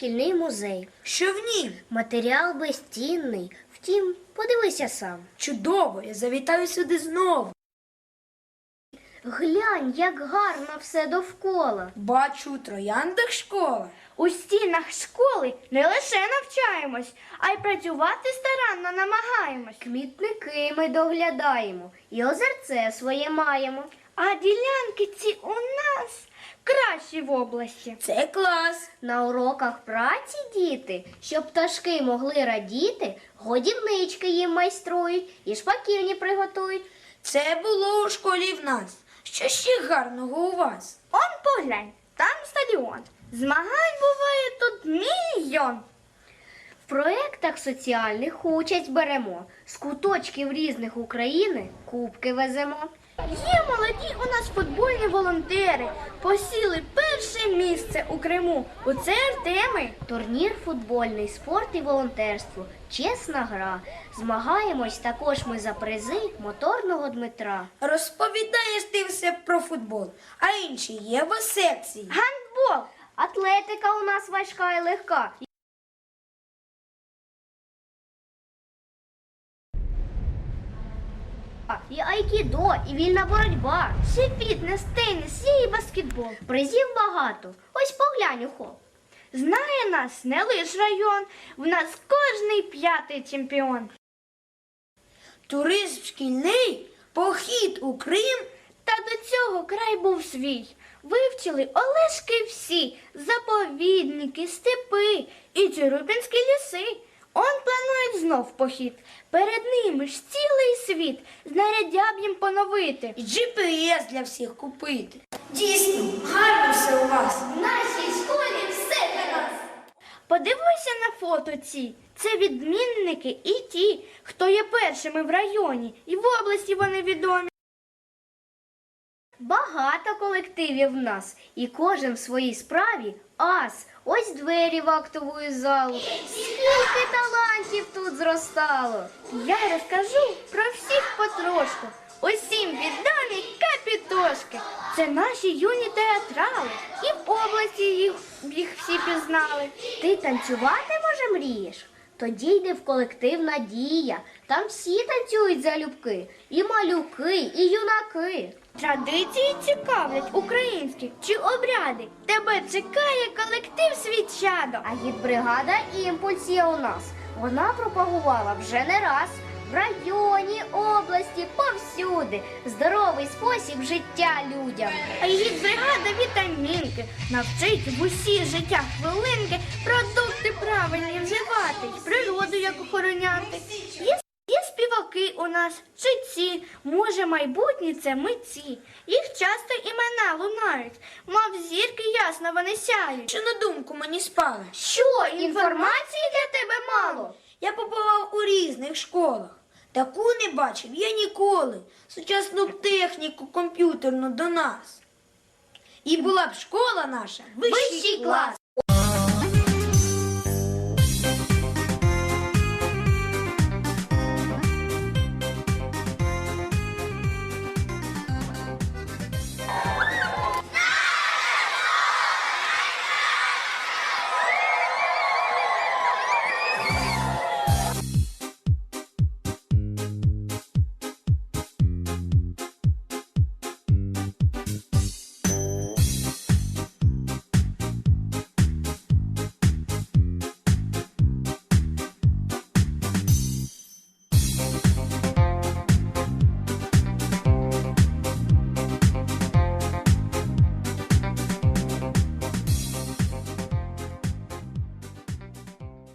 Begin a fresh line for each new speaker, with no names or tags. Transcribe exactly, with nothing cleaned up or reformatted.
шкільний музей.
Що в нім?
Матеріал безцінний. Втім, подивися сам.
Чудово, я завітаю сюди знову.
Глянь, як гарно все довкола.
Бачу, у трояндах школа.
У стінах школи не лише навчаємось, а й працювати старанно намагаємось.
Квітники ми доглядаємо і озерце своє маємо.
А ділянки ці у нас кращі в області.
Це клас.
На уроках праці діти, щоб пташки могли радіти, годівнички їм майструють і шпаківні приготують.
Це було у школі в нас. Що ще гарного у вас?
Он поглянь, там стадіон. Змагань буває тут мільйон.
В проєктах соціальних участь беремо. З куточків різних України кубки веземо.
Є молоді у нас футбольні волонтери. Посіли перше місце у Криму. У це Артеми.
Турнір футбольний, спорт і волонтерство. Чесна гра. Змагаємось також ми за призи моторного Дмитра.
Розповідаєш ти все про футбол, а інші є в секції.
Гандбол.
Атлетика у нас важка і легка. І айкідо, і вільна боротьба.
Ще фітнес, теніс, є і баскетбол.
Призів багато. Ось поглянь, ухо.
Знає нас не лиш район, в нас кожний п'ятий чемпіон.
Туризм шкільний, похід у Крим.
Та до цього край був свій. Вивчили Олешки всі, заповідники, степи і Чорупінські ліси. Он планують знов похід. Перед ними ж цілий світ, знаряддя б їм поновити.
І джі пі ес для всіх купити. Дійсно, гарно все у вас.
В нашій школі все для нас.
Подивися на фото ці. Це відмінники і ті, хто є першими в районі, і в області вони відомі.
Багато колективів в нас, і кожен в своїй справі ас. Ось двері в актову залу. Скільки талантів тут зростало.
Я розкажу про всіх потрошку. Усім відомі капітошки. Це наші юні театрали. І в області їх, їх всі пізнали.
Ти танцювати, може, мрієш? Тоді йди в колектив «Надія». Там всі танцюють залюбки. І малюки, і юнаки.
Традиції цікавлять українські чи обряди. Тебе чекає колектив «Свічадо».
А гідбригада «Імпульс» є у нас. Вона пропагувала вже не раз. В районі, області, повсюди. Здоровий спосіб життя людям.
А її бригада вітамінки навчить в усі життя хвилинки продукти правильні вживати й природу як охороняти. Є, є співаки у нас, читці, може майбутні це митці. Їх часто імена лунають, мов зірки ясно вони сяють.
Що на думку мені спало?
Що, інформації для тебе мало?
Я побував у різних школах. Таку не бачив я ніколи. Сучасну техніку комп'ютерну до нас. І була б школа наша вищий клас.